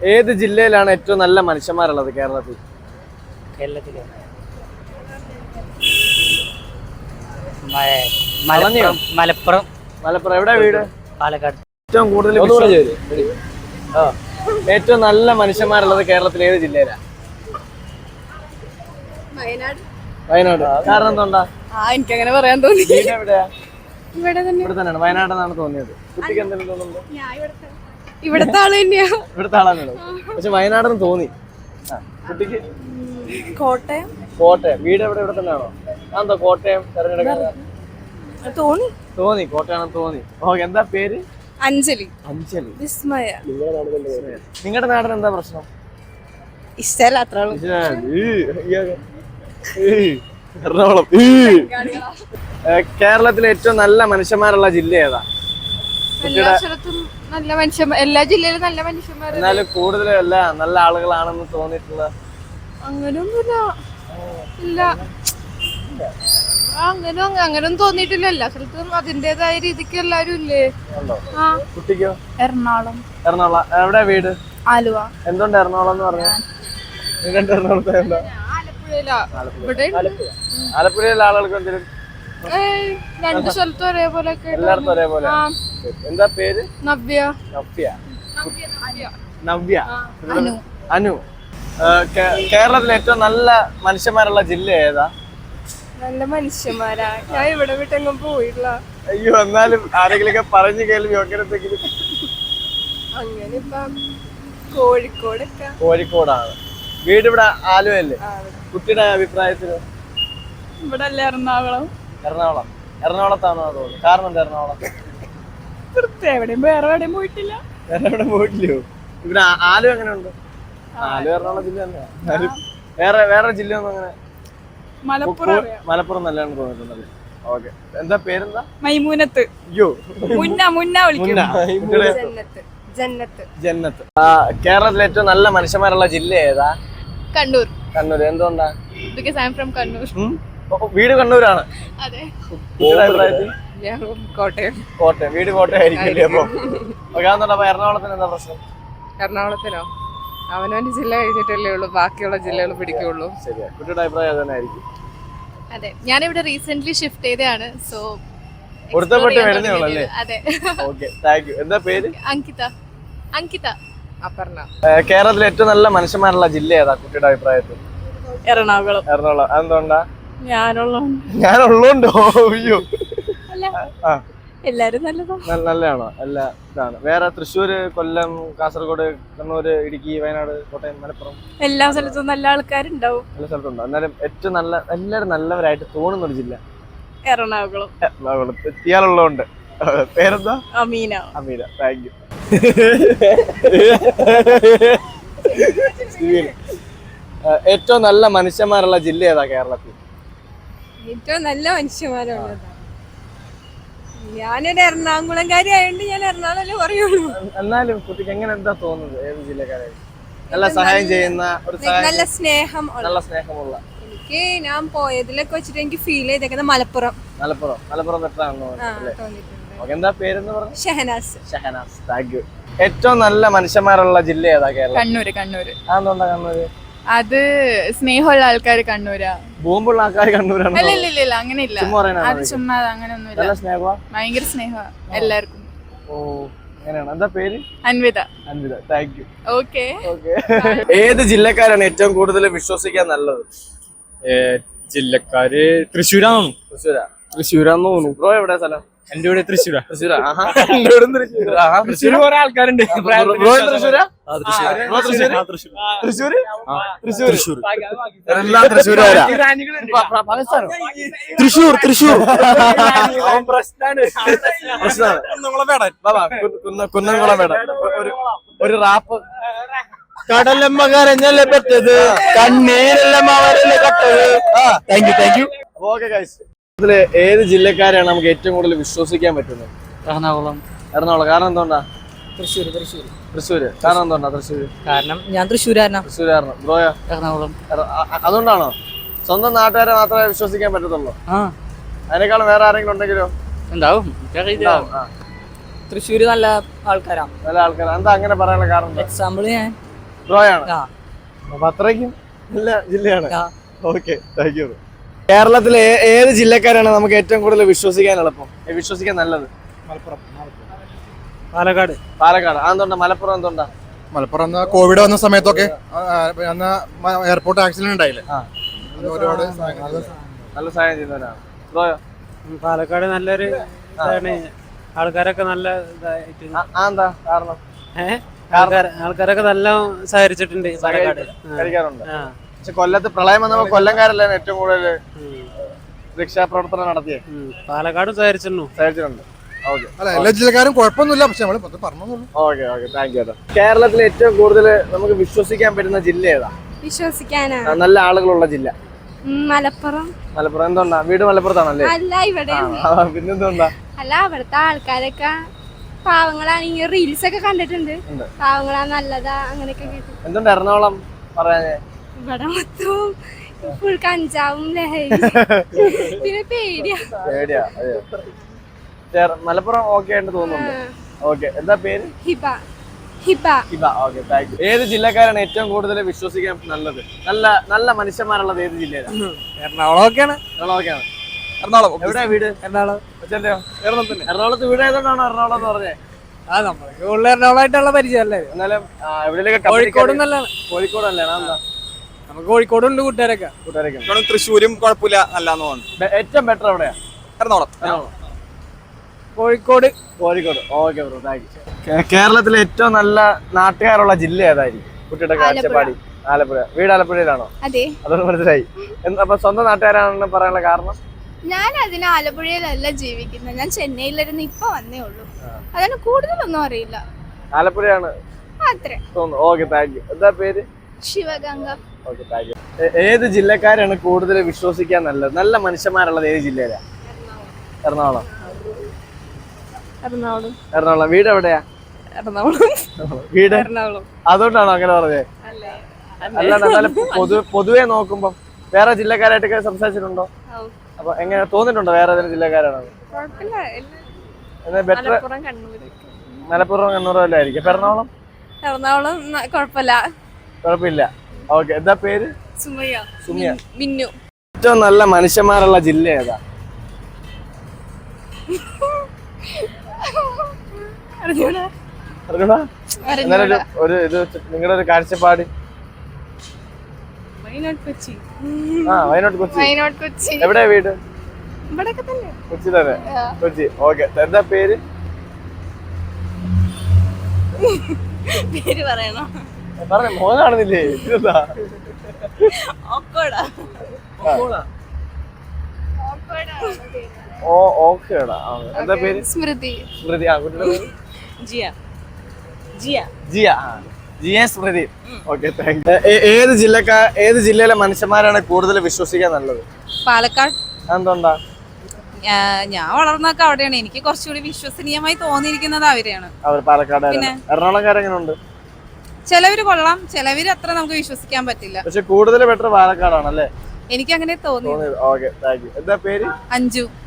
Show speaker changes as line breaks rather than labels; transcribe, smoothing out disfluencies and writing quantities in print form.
ഏത് ജില്ലയിലാണ് ഏറ്റവും നല്ല മനുഷ്യന്മാരുള്ളത് കേരളത്തിൽ?
മലപ്പുറം.
മലപ്പുറം എവിടെ വീട്?
പാലക്കാട്.
ഏറ്റവും കൂടുതൽ ഏറ്റവും നല്ല മനുഷ്യന്മാരുള്ളത് കേരളത്തിൽ ഏത് ജില്ലയിലാണ്? വയനാട്. കാരണം എന്താ?
എനിക്കങ്ങനെ പറയാൻ തോന്നി.
വീട് എവിടെയാ?
ഇവിടെ
തന്നെയാണ്. വയനാടെന്നാണ് തോന്നിയത്. കുട്ടിക്ക് എന്തെങ്കിലും തോന്നുന്നുണ്ടോ?
ഇവിടത്തെ ആള് തന്നെയാ.
ഇവിടുത്തെ ആളാണ്. പക്ഷെ വയനാടെന്ന് തോന്നി. കുട്ടിക്ക്
കോട്ടയം.
വീട് എവിടെ? ഇവിടെ തന്നെയാണോ? എന്താ കോട്ടയം തെരഞ്ഞെടുക്കാൻ തോന്നി? കോട്ടയാണെന്ന് തോന്നി. ഓക്കെ, എന്താ പേര്?
അഞ്ജലി.
വിസ്മയ. നിങ്ങളുടെ നാടിന് എന്താ പ്രശ്നം?
ഇഷ്ടല്ല അത്ര.
എറണാകുളം. കേരളത്തിലെ ഏറ്റവും നല്ല മനുഷ്യന്മാരുള്ള ജില്ല ഏതാ?
എല്ലാ സ്ഥലത്തും നല്ല മനുഷ്യന്മാർ, എല്ലാ ജില്ലയിലും നല്ല മനുഷ്യന്മാർ.
എന്നാലും കൂടുതലും അല്ല നല്ല ആളുകളാണെന്ന് തോന്നിയിട്ടുള്ള
അങ്ങനൊന്നുമില്ല. ഇല്ല, അങ്ങനൊന്നും തോന്നിയിട്ടില്ല. എല്ലാ സ്ഥലത്തും അതിന്റേതായ രീതിക്ക് എല്ലാരും ഇല്ലേ.
കുട്ടിക്കോ?
എറണാകുളം.
എവിടെ വീട്?
ആലുവ.
എന്തുകൊണ്ട് എറണാകുളം എന്ന് പറഞ്ഞു? എറണാകുളത്തെ എന്താ? ആലപ്പുഴയിലെ ആളുകൾക്ക് എന്തെങ്കിലും?
രണ്ടു സ്ഥലത്തും ഒരേപോലെ.
എല്ലായിടത്തും ഒരേപോലെ. എന്താ പേര്?
നവ്യ.
അനു. കേരളത്തിലെ ഏറ്റവും നല്ല മനുഷ്യന്മാരുള്ള ജില്ല ഏതാ?
നല്ല മനുഷ്യന്മാരാ. ഞാൻ ഇവിടെ വിട്ടെങ്ങും പോയില്ല.
അയ്യോ, എന്നാലും ആരെങ്കിലും പറഞ്ഞു കേൾവി അങ്ങനത്തെങ്കിലും.
അങ്ങനെ ഇപ്പം
കോഴിക്കോടാണ് വീട്. ഇവിടെ ആലുവയല്ലേ? കുട്ടിയുടെ അഭിപ്രായത്തില്
ഇവിടെ അല്ലേ എറണാകുളം?
എറണാകുളത്താണോ തോന്നുന്നു? കാരണം എന്താ എറണാകുളം?
വേറെ എവിടെയും പോയിട്ടില്ല.
പോയിട്ടില്ലയോ? ഇവിടെ ആലുവ എങ്ങനെയുണ്ട്? ആലുവ എറണാകുളം ജില്ല തന്നെയാ. വേറെ ജില്ല ഒന്നും അങ്ങനെ? മലപ്പുറം നല്ലതാണെന്ന് തോന്നിട്ടുണ്ടല്ലേ? ഓക്കെ, എന്താ പേരെന്താ?
മൈമൂനത്ത്.
അയ്യോ, ജന്നത്ത്. കേരളത്തിലെ ഏറ്റവും നല്ല മനുഷ്യന്മാരുള്ള ജില്ല ഏതാ?
കണ്ണൂർ.
എന്തുകൊണ്ടാ?
Because I am from Kannur.
വീട് കണ്ണൂരാണ്.
അതെ.
കോട്ടയം. വീട് കോട്ടയം ആയിരിക്കില്ലേ? അപ്പൊ എറണാകുളത്തിന് എന്താ പ്രശ്നം?
എറണാകുളത്തിനോ? അവനവന്റെ ജില്ല കഴിഞ്ഞിട്ടല്ലേ ഉള്ളൂ ബാക്കിയുള്ള ജില്ലകൾ പിടിക്കുള്ളൂ.
ശരിയാ, കുട്ടിയുടെ അഭിപ്രായം തന്നെ ആയിരിക്കും.
അതെ, ഞാനിവിടെ റീസെന്റ് ഷിഫ്റ്റ് ചെയ്തതാണ്. സോ
വരുന്നേ ഉള്ളല്ലേ?
അതെ.
Okay, thank you. എന്താ പേര്?
അങ്കിത. അപർണ.
കേരളത്തിലെ ഏറ്റവും നല്ല മനുഷ്യന്മാരുള്ള ജില്ല ഏതാ കുട്ടിയുടെ അഭിപ്രായത്തിൽ?
എറണാകുളം.
എന്തുകൊണ്ടാ?
ഞാനുള്ളോണ്ടോ?
അയ്യോ,
എല്ലാരും
നല്ലതാണോ? അല്ല, ഇതാണ്. വേറെ തൃശ്ശൂര്, കൊല്ലം, കാസർഗോഡ്, കണ്ണൂര്, ഇടുക്കി, വയനാട്, കോട്ടയം, മലപ്പുറം
എല്ലാ സ്ഥലത്തും നല്ല ആൾക്കാരുണ്ടാവും.
എല്ലാ സ്ഥലത്തുണ്ടോ? എന്നാലും ഏറ്റവും എല്ലാരും നല്ലവരായിട്ട് തോന്നുന്ന ഒരു ജില്ല?
എറണാകുളം.
ഇയാളുള്ളതുകൊണ്ട്. പേരെന്താ?
അമീന.
Thank you. ഏറ്റവും നല്ല മനുഷ്യന്മാരുള്ള ജില്ല ഏതാ കേരളത്തിൽ?
ഏറ്റവും നല്ല മനുഷ്യന്മാരുള്ളത് ഞാനൊരു എറണാകുളംകാരി ആയതുകൊണ്ട് ഞാൻ എറണാകുളം പറയുള്ളൂ.
എന്നാലും കുട്ടിക്ക് എങ്ങനെ എന്താ തോന്നുന്നത്? ഏത് ജില്ലക്കാരെ നല്ല സഹായം ചെയ്യുന്ന ഒരു
നല്ല
സ്നേഹമുള്ള?
എനിക്ക് ഞാൻ പോയതിലൊക്കെ വെച്ചിട്ട് എനിക്ക് ഫീൽ ചെയ്തേക്കുന്നത് മലപ്പുറം
ബെറ്ററാണോ? എന്താ പേരെന്ന് പറഞ്ഞു?
ഷഹനാസ്.
Thank you. ഏറ്റവും നല്ല മനുഷ്യന്മാരുള്ള ജില്ല ഏതാ കേരളം?
കണ്ണൂര്.
അതെന്താ കണ്ണൂര്?
അത് സ്നേഹമുള്ള ആൾക്കാർ കണ്ണൂരാ.
ബോംബുള്ള ആൾക്കാർ കണ്ണൂരാണ്?
ഇല്ല, അങ്ങനെയില്ല. അത് ചുമ്മാ അങ്ങനെയൊന്നുമില്ല. ഭയങ്കര സ്നേഹമാ എല്ലാവർക്കും.
ഓ, അങ്ങനെയാണ്. എന്താ പേര്?
അൻവിത.
Thank you.
ഓക്കെ.
ഏത് ജില്ലക്കാരാണ് ഏറ്റവും കൂടുതൽ വിശ്വസിക്കാൻ നല്ലത്?
ജില്ലക്കാര് തൃശ്ശൂരാന്ന്
തോന്നുന്നു. ബ്രോ എവിടെ സ്ഥലം?
എന്റെ ഇവിടെ തൃശ്ശൂരാ.
തൃശ്ശൂർ കുറെ ആൾക്കാരുണ്ട്. കുന്നംകുളം ഒരു റാപ്പ്.
കടലമ്മ കരഞ്ഞല്ലേ പറ്റത്, കണ്ണീരെല്ലാം അവരല്ലേ കട്ടത്. Thank you.
ഓക്കെ ഗൈസ്, ഇതില് ഏത് ജില്ലക്കാരെയാണ് നമുക്ക് ഏറ്റവും കൂടുതൽ വിശ്വസിക്കാൻ പറ്റുന്നത്?
എറണാകുളം.
കാരണം എന്തുകൊണ്ടാ?
തൃശ്ശൂര്.
കാരണം എന്തുകൊണ്ടാ തൃശ്ശൂര്?
കാരണം ഞാൻ തൃശ്ശൂരാരനാണ്.
ബ്രോയോ?
എറണാകുളം.
അതുകൊണ്ടാണോ? സ്വന്തം നാട്ടുകാരെ മാത്രമേ വിശ്വസിക്കാൻ പറ്റത്തുള്ളൂ? അതിനേക്കാളും വേറെ ആരെങ്കിലും ഉണ്ടെങ്കിലോ?
ഉണ്ടാവും.
തൃശ്ശൂര് നല്ല ആൾക്കാരാ.
എന്താ അങ്ങനെ പറയാനുള്ള കാരണം?
എക്സാമ്പിൾ ഞാൻ
ബ്രോയാണ്
ആ.
അപ്പൊ അത്രയ്ക്കും നല്ല ജില്ലയാണ്.
ആ.
Okay, thank you. കേരളത്തിലെ ഏത് ജില്ലക്കാരാണ് നമുക്ക് ഏറ്റവും കൂടുതൽ വിശ്വസിക്കാൻ എളുപ്പം, വിശ്വസിക്കാൻ നല്ലത്?
പാലക്കാട്.
പാലക്കാട്. അതെന്തുകൊണ്ടാ? മലപ്പുറം എന്തുകൊണ്ടാ?
മലപ്പുറം കോവിഡ് വന്ന സമയത്തൊക്കെ എയർപോർട്ട് ആക്സിഡന്റ് ഉണ്ടായില്ലേ,
ആ.
ഒരുപാട്
നല്ല സഹായം ചെയ്യുന്നവരാണ്. ബ്രോയോ?
പാലക്കാട് നല്ലൊരു ഇതാണ്. ആൾക്കാരൊക്കെ നല്ല ഇതായിട്ട്
എന്താ കാരണം?
ആൾക്കാരൊക്കെ നല്ല സഹകരിച്ചിട്ടുണ്ട് പാലക്കാട്.
കഴിക്കാറുണ്ട്. പക്ഷെ കൊല്ലത്ത് പ്രളയം വന്നപ്പോ കൊല്ലംകാരല്ലേ ഏറ്റവും കൂടുതൽ രക്ഷാപ്രവർത്തനം നടത്തിയേ?
പാലക്കാടും സഹകരിച്ചിട്ടുണ്ട്.
ഓക്കെ,
അല്ല എല്ലാ ജില്ലക്കാരും കുഴപ്പമൊന്നുമില്ല, പക്ഷെ നമ്മൾ പറഞ്ഞു.
Okay, thank you. കേരളത്തിൽ ഏറ്റവും കൂടുതൽ നമുക്ക് വിശ്വസിക്കാൻ പറ്റുന്ന ജില്ല ഏതാ?
വിശ്വസിക്കാനാ
നല്ല ആളുകളുള്ള ജില്ല
മലപ്പുറം.
മലപ്പുറം. എന്തുകൊണ്ടാ? വീട് മലപ്പുറത്താണല്ലേ?
അല്ല, ഇവിടെ
പിന്നെന്തുകൊണ്ടാ?
അല്ല, അവിടുത്തെ ആൾക്കാരൊക്കെ പാവങ്ങളാണ്. ഈ റീൽസ് ഒക്കെ കണ്ടിട്ടുണ്ട്. പാവങ്ങളാ, നല്ലതാ, അങ്ങനെയൊക്കെ കേട്ടു.
എന്തുകൊണ്ട് എറണാകുളം പറയാനേ?
ഇവിടെ മൊത്തവും ഫുൾ കഞ്ചാവും ലഹരി പിന്നെ പേടിയാ.
മലപ്പുറം ഓക്കെ ആയിട്ട് തോന്നുന്നുണ്ട്. ഓക്കെ, എന്താ പേര്?
Hiba. Hiba.
Hiba. Okay, thank you. ഏത് ജില്ലക്കാരാണ് ഏറ്റവും കൂടുതൽ വിശ്വസിക്കാൻ നല്ലത്? നല്ല നല്ല മനുഷ്യന്മാരുള്ളത് ഏത് ജില്ലയിലാണ്?
എറണാകുളമൊക്കെയാണ്.
എറണാകുളമൊക്കെയാണ്.
എറണാകുളം.
എവിടെയാ വീട്?
എറണാകുളം.
അച്ഛൻ്റെയോ? എറണാകുളത്ത് വീട് ആയതുകൊണ്ടാണോ എറണാകുളം എന്ന് പറഞ്ഞേ?
ആ, നമ്മൾക്ക് കൂടുതൽ എറണാകുളമായിട്ടുള്ള പരിചയമല്ലേ.
എന്നാലും എവിടെയൊക്കെ
കോഴിക്കോട് നല്ലതാണ്.
കോഴിക്കോട് നല്ലതാണ്. എന്താ?
നമുക്ക് കോഴിക്കോടുണ്ട് കൂട്ടുകാരൊക്കെ.
തൃശ്ശൂരും കുഴപ്പമില്ല, നല്ലാന്ന് തോന്നുന്നു.
ഏറ്റവും ബെറ്റർ എവിടെയാ?
Ernakulam.
Kozhikode.
Kozhikode. Okay bro, thank you. കേരളത്തിലെ ഏറ്റവും നല്ല നാട്ടുകാരുള്ള ജില്ല ഏതായിരിക്കും? കുട്ടിയുടെ കാഴ്ചപ്പാടി. ആലപ്പുഴ. വീട് ആലപ്പുഴയിലാണോ?
അതെ,
അതൊന്നും മനസ്സിലായി. അപ്പൊ സ്വന്തം നാട്ടുകാരാണെന്ന് പറയാനുള്ള കാരണം?
ഞാൻ അതിന് ആലപ്പുഴയിലല്ല ജീവിക്കുന്നത്, ഞാൻ ചെന്നൈയിലിരുന്ന് ഇപ്പൊ വന്നേ ഉള്ളൂ. അതിന് കൂടുതലൊന്നും അറിയില്ല.
ആലപ്പുഴയാണ്
അത്രേ
തോന്നുന്നു. Okay, thank you. എന്താ പേര്?
ശിവഗംഗ.
Okay, thank you. ഏത് ജില്ലക്കാരാണ് കൂടുതൽ വിശ്വസിക്കാൻ നല്ലത്? നല്ല മനുഷ്യന്മാരുള്ളത് ഏത് ജില്ലയിലാ? എറണാകുളം. എറണാകുളം. വീട് എവിടെയാ? വീട്
എറണാകുളം.
അതുകൊണ്ടാണോ അങ്ങനെ പറഞ്ഞേ? അല്ലാണ്ട് എന്നാലും പൊതുവെ നോക്കുമ്പോ വേറെ ജില്ലക്കാരായിട്ടൊക്കെ സംസാരിച്ചിട്ടുണ്ടോ? അപ്പൊ എങ്ങനെ തോന്നിട്ടുണ്ടോ വേറെ ഏതെങ്കിലും ജില്ലക്കാരാണോ? ബെറ്റർ മലപ്പുറം കണ്ണൂർ വല്ല ആയിരിക്കും. അപ്പൊ എറണാകുളം?
എറണാകുളം
കുഴപ്പമില്ല. ഓക്കെ, എന്താ പേര്?
സുമയ്യ.
സുമിയ.
മിന്നു.
ഏറ്റവും നല്ല മനുഷ്യന്മാരുള്ള ജില്ല ഏതാ? അറിഞ്ഞൂടാ? എന്നാലും ഒരു ഇത് നിങ്ങളുടെ ഒരു കാഴ്ചപ്പാട്.
വയനാട് കൊച്ചി.
വയനാട് കൊച്ചി.
വയനാട് കൊച്ചി.
എവിടെയാ വീട്?
ഇവിടെയൊക്കെ തന്നെ.
കൊച്ചി തന്നെ. കൊച്ചി. ഓക്കെ, എന്താ പേര്?
പേര് പറയണോ?
പറഞ്ഞ മോൻ കാണുന്നില്ലേ? ഓക്കേടാ. എന്താ പേര്?
സ്മൃതി.
സ്മൃതി. ആ, കുട്ടിയുടെ പേര്?
Jiya.
Jiya Smriti. Okay, thank you. ഏത് ജില്ലയിലെ മനുഷ്യന്മാരാണ് കൂടുതൽ വിശ്വസിക്കാൻ നല്ലത്?
പാലക്കാട്.
എന്തുകൊണ്ടാ?
ഞാൻ വളർന്നൊക്കെ അവിടെയാണ്. എനിക്ക് കുറച്ചുകൂടി വിശ്വസനീയമായി തോന്നിയിരിക്കുന്നത് അവരെയാണ്.
അവർ പാലക്കാട്. എറണാകുളംകാരെങ്ങനെയുണ്ട്?
ചിലവര് കൊള്ളാം, ചിലവര് അത്ര നമുക്ക് വിശ്വസിക്കാൻ പറ്റില്ല.
പക്ഷെ കൂടുതൽ ബെറ്റർ പാലക്കാടാണല്ലേ?
എനിക്ക് അങ്ങനെ തോന്നി.
Okay, thank you. എന്താ പേര്?
അഞ്ജു.